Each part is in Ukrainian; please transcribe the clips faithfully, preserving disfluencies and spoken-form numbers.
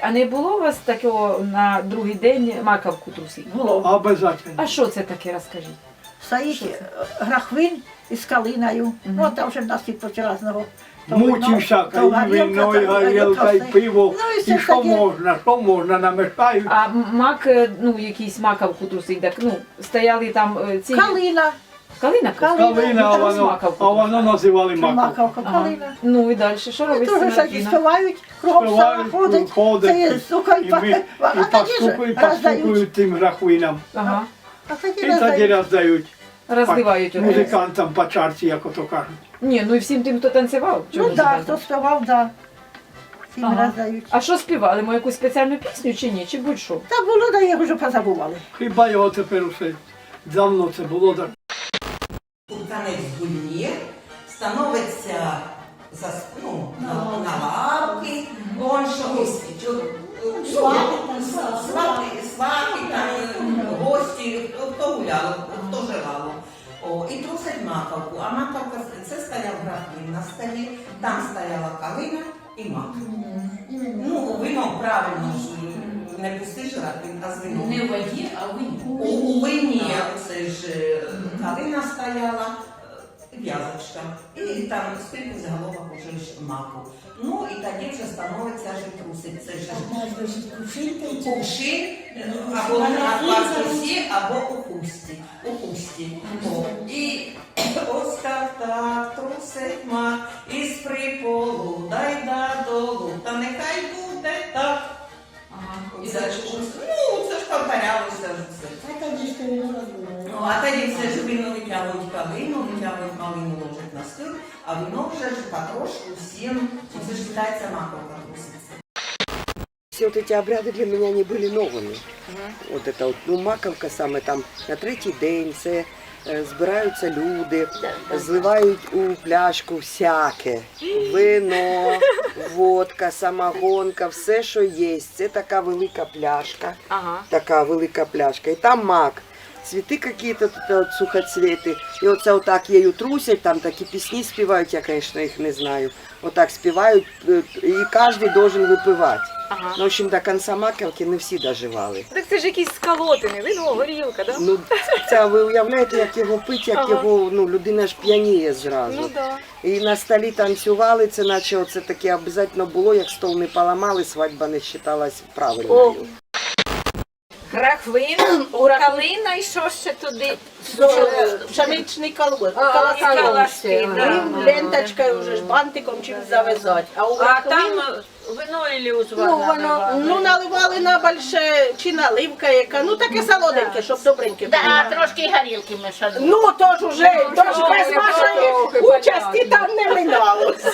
а не було у вас такого на другий день маковку трусити? Було. Обязательно. А що це таке, розкажіть? Стоїть грахвин із калиною. Ну, там вже в нас і по різного. Мучився, і вино, і горілка, і пиво, Ну, і і все ж що таки. можна, що можна, намішають. А м- мак, е, ну якийсь маковку трусить, так, ну, стояли там е, ці... Калина. Калина? Калина. Калина, а Ну, там з воно, маковку а воно називали маковку. Маковка, Ага. калина. Ну і далі, що І робить теж всякі Синартіна? співають, кругом села Співають, ходить. ходять, Це є сука і і ми- пахне. А І тоді ж постукують, роздають. постукують тим грахвинам. Ага, А тоді І тоді роздають. роздають розливають. оте. музикантам по чарці, як ото кажуть. Ні, ну і всім тим, хто танцював. Ну чому так, не хто співав, так. Всім Ага. роздають. А що співали? Ми якусь спеціальну пісню чи ні? Чи будь-що? Та було, да їх вже позабували. Хіба його тепер усе давно це було так. Танець гульє, становиться за, ну, на, на лавки, он чогось, свати, свати, там, гості, хто гуляв, хто живав. О, і трусить маковку, а маковка, це стояв графін на столі, там стояла калина і мак. Ну, вино правильно ж, не пустиш графін, а з вином. Не в воді, а в вині. У, у вині це ж е, калина стояла, е, в'язочка, і там скільки заголовок уже ж маку. Ну і тоді вже становиться ж трусить. Це ж кувшин, е, або на квартирі, або у хусті. У хусті. О, і ось так так трусить мак із приполу, дай додолу, та нехай буде так. Ага. І це ж, ну, це ж повторялося ж все. Ну, а тоді все ж вино витягують калину, витягують малину, ложать на стіл, а вино вже ж потрошку всім, це ж вважається маковка труситься. Все вот эти обряды для меня не были новыми. Вот это вот, ну, маковка саме там на третій день, це е, збираються люди, зливають у пляшку всяке. Вино, водка, самогонка, все, що є. Це така велика пляшка, Ага. така велика пляшка. І там мак. Цветы какие-то, тут вот сухоцветы. І оце отак її трусять, там такі пісні співають, я, конечно, їх не знаю. Отак співають, е, і кожен должен випивати. Ага. Ну, в общем, до кінця маковки не всі доживали. Так це ж якісь скалотини, вино, горілка, да? Ну, це ви уявляєте, як його пить, як Ага. його, ну, людина ж п'яніє зразу. Ну да. І на столі танцювали, це наче оце таке обов'язково було, як стол не поламали, свадьба не вважалась правильною. Грахвин, калина і що ще туди? Пшеничний колос. А, калашки, да. Ленточкою вже ж бантиком чим зав'язати. А у А там грахвин, вино і узвар ну, воно, ну, наливали на більше, чи наливка яка, ну таке солоденьке, щоб добреньке було. А трошки горілки мешали. Ну, то ж уже, то ж без вашої участі там не миналось.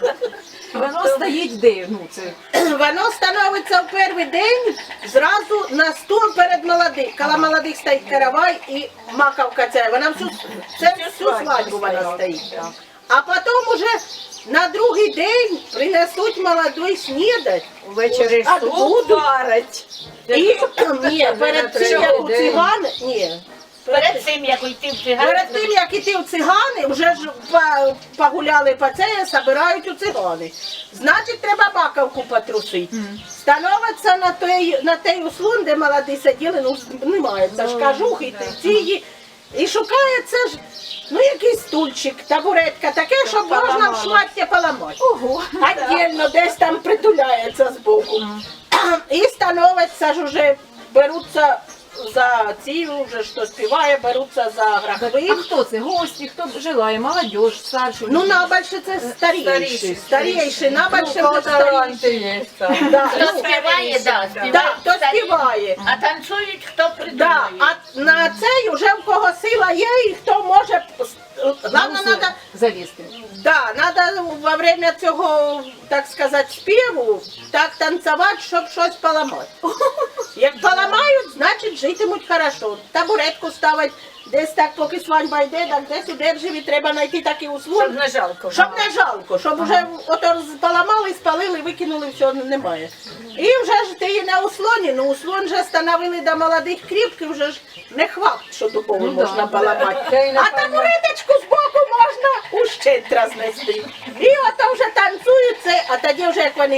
Воно стоїть де? Ну, це... Воно становиться в перший день зразу на стол перед молодих. Коли молодих стоїть каравай і маковка ця, вона всю, це всю свадьбу вона стоїть. А потім уже на другий день принесуть молодий снідать. Ввечері А суп буду. варять. І, ні, перед тим, як у цигани, ні. Перед цим, як йти в циган, Перед тим, як іти в цигани, вже ж по- погуляли по це, збирають у цигани. Значить, треба маковку потрусити. Становиться на той, на той услон, де молоді сиділи, ну немає, це ж кажухи, ці, і шукається ж, ну якийсь стульчик, табуретка, таке, щоб можна в шмаття поламати. Ого. Отдельно десь там притуляється збоку. І становиться ж уже, беруться за ці, вже що співає, беруться за А грахвин. хто це? Гості, хто желає? Молодь, старші? Ну, набільше це старіші, старіші, набільше вже старіші. Да, хто ну, співає, да, співає. да, хто старі. співає. А танцюють, хто Да, придумає. а на цей уже в кого сила є, і хто може, главное, надо, Залізти. да, надо во время цього, так сказати, співу, так танцювати, щоб щось поламати. Як поламають, значить житимуть хорошо. Табуретку ставить, десь так, поки свадьба йде, так десь у державі треба знайти такий услов. Щоб не жалко. Щоб не жалко, щоб вже ото поламали, спалили, викинули, все, немає. І вже ж ти і на услоні, ну услон вже становили до молодих кріпких, вже ж не хват, що дубову можна поламати. А табуреточку збоку можна ущентра знести. І ото вже танцюють це, а тоді вже як вони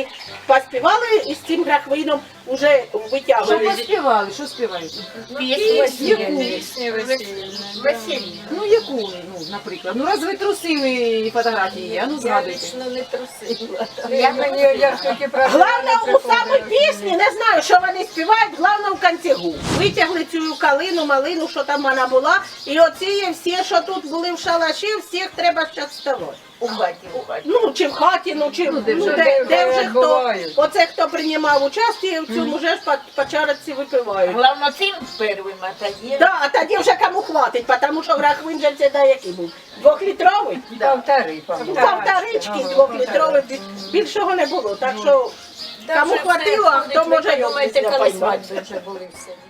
поспівали і з цим грахвином вже Що витягували. поспівали? Що співають? Пісні весільні. Ну яку, ну, наприклад. Ну раз ви трусили фотографії, є, а ну згадуйте. не трусила. Я мені я тільки про Головне, у самій пісні, не знаю, що вони співають, головне в концігу. Витягли цю калину, малину, що там вона була, і оці всі, що тут були в шалаші, всіх треба зараз вставати. у хаті, у хаті. Ну, чи в хаті, ну, чи Ну, де ну, вже- де, де вже хто. бувають. Оце хто приймав участь, в цьому вже ж по, по чарці випивають. Головно цим первим, а тоді... Да, а тоді вже кому хватить, тому що грахвин же це да, який був? Двохлітровий? Полтори, Ну, Полторички двохлітровий, бі- більшого не було. Так що кому хватило, а хто може його Думаєте, коли поймати. свадьби вже були все.